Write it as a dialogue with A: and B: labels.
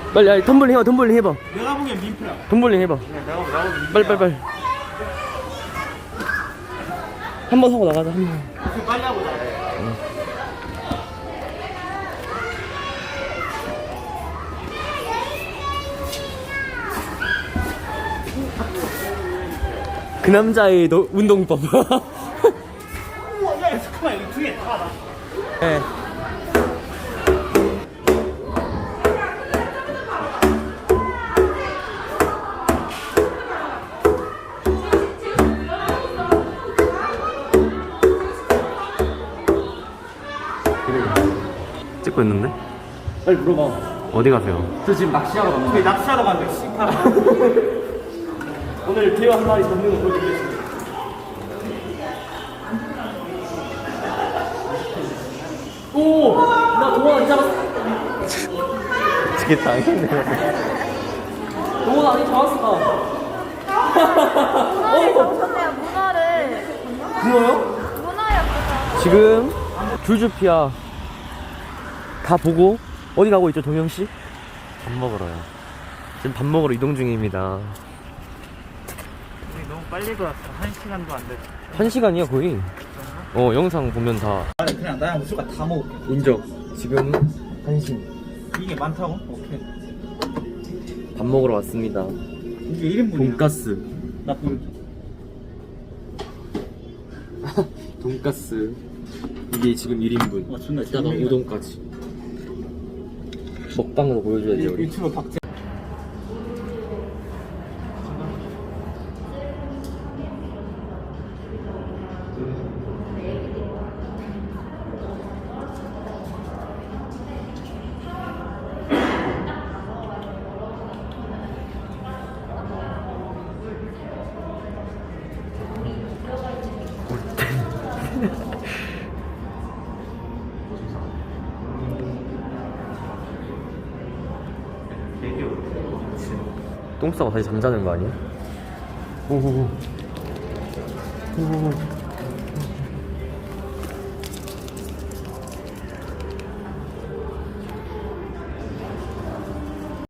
A: 빨리 아니, 텀블링 해봐. 텀블링 해봐.
B: 내가 보기엔 민폐야.
A: 텀블링 해봐.
B: 내가 민폐야.
A: 빨리. 한 번 하고 나가자. 한 번.
B: 빨리 하고 자.
A: 그 남자의 운동법.
B: 우와, 야, 잠깐만, 여기 뒤에 다 나.
A: 네. 찍고 있는데?
B: 빨리 물어봐.
A: 어디 가세요?
B: 저 지금 낚시하러 갑니다. 저희 낚시하러 가는데, 씨발. 오늘 대화 한 마리 잡는 거 보여드리겠습니다. 오! 나 동원 안 잡았어.
A: 이게 당했네.
B: 동원 아니 잡았어.
C: 문어를 잡으셨네요, 문어를.
B: 뭐요?
C: 문어였구나.
A: 지금 줄줄피아 다 보고 어디 가고 있죠, 동영씨? 밥 먹으러요. 지금 밥 먹으러 이동 중입니다.
B: 너무 빨리 들어왔어. 1시간도 안 됐어.
A: 1시간이야 거의. 영상 보면 다
B: 아니, 그냥 나랑 무조건 다 먹을게.
A: 인정. 지금 1시.
B: 이게 많다고? 오케이.
A: 밥 먹으러 왔습니다.
B: 이게 1인분이야.
A: 돈가스.
B: 나 보여줘.
A: 돈가스. 이게 지금 1인분.
B: 와, 존나
A: 이따가
B: 재밌네.
A: 우동까지. 먹방으로 보여줘야지 우리.
B: 유튜브 박제.
A: 똥 싸고 다시 잠자는 거 아니야? 오호호. 오호호.